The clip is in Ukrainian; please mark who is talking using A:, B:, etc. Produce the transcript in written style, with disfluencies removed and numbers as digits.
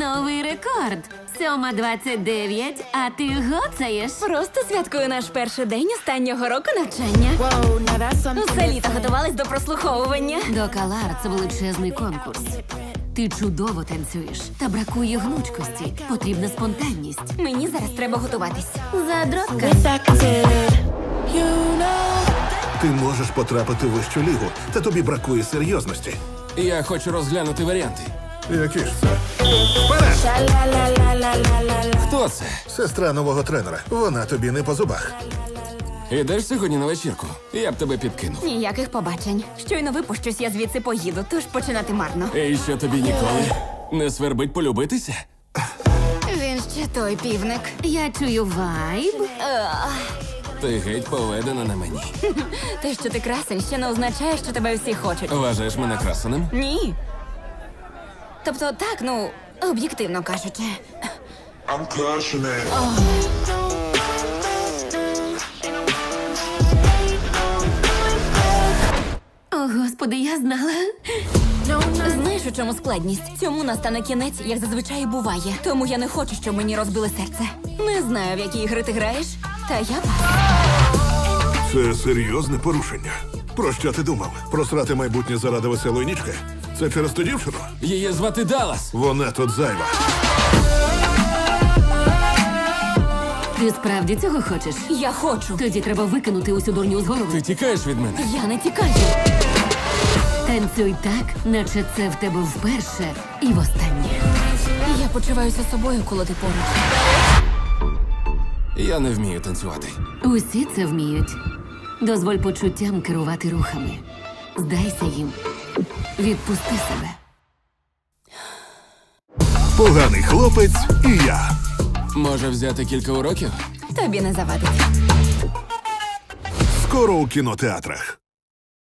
A: Новий рекорд. 7:29, а ти гоцаєш.
B: Просто святкую наш перший день останнього року навчання.
C: Whoa, now that's something
B: Усе літо
C: different.
B: готувались до прослуховування.
A: До Калар це величезний конкурс. Ти чудово танцюєш, та бракує гнучкості. Потрібна спонтанність.
B: Мені зараз треба готуватись.
A: Задротка.
C: With acted, you know.
D: Ти можеш потрапити в вищу лігу, та тобі бракує серйозності.
E: Я хочу розглянути варіанти.
D: Які ж це? Вперед!
C: Sha-la-la-la-la-la-la-la.
E: Хто це?
D: Сестра нового тренера. Вона тобі не по зубах.
E: Ідеш сьогодні на вечірку? Я б тебе підкинув.
B: Ніяких побачень. Щойно випущусь, я звідси поїду, тож починати марно.
E: І що тобі ніколи не свербить полюбитися?
B: Він ще той півник.
A: Я чую вайб.
E: Ти геть поведена на мені.
B: Те, що ти красень, ще не означає, що тебе всі хочуть.
E: Вважаєш мене красеним?
B: Ні. Тобто так, ну, об'єктивно кажучи.
F: I'm crushing it.
A: О, господи, я знала.
B: Знаєш, у чому складність? Цьому настане кінець, як зазвичай і буває. Тому я не хочу, щоб мені розбили серце. Не знаю, в які ігри ти граєш, та я пас.
D: Це серйозне порушення. Про що ти думав? Просрати майбутнє заради веселої нічки? Це через ту дівчину?
E: Її звати Даллас.
D: Вона тут зайва.
A: Ти справді цього хочеш?
B: Я хочу.
A: Тоді треба викинути усю дурню з
E: Ти
A: голови.
E: тікаєш від мене.
B: Я не тікаю.
A: Танцюй так, наче це в тебе вперше і востаннє.
B: Я почуваюся собою, коли ти поруч.
E: Я не вмію танцювати.
A: Усі це вміють. Дозволь почуттям керувати рухами. Здайся їм. Відпусти себе.
D: Поганий хлопець і я.
E: Може взяти кілька уроків?
B: Тобі не завадить.
D: Скоро у кінотеатрах.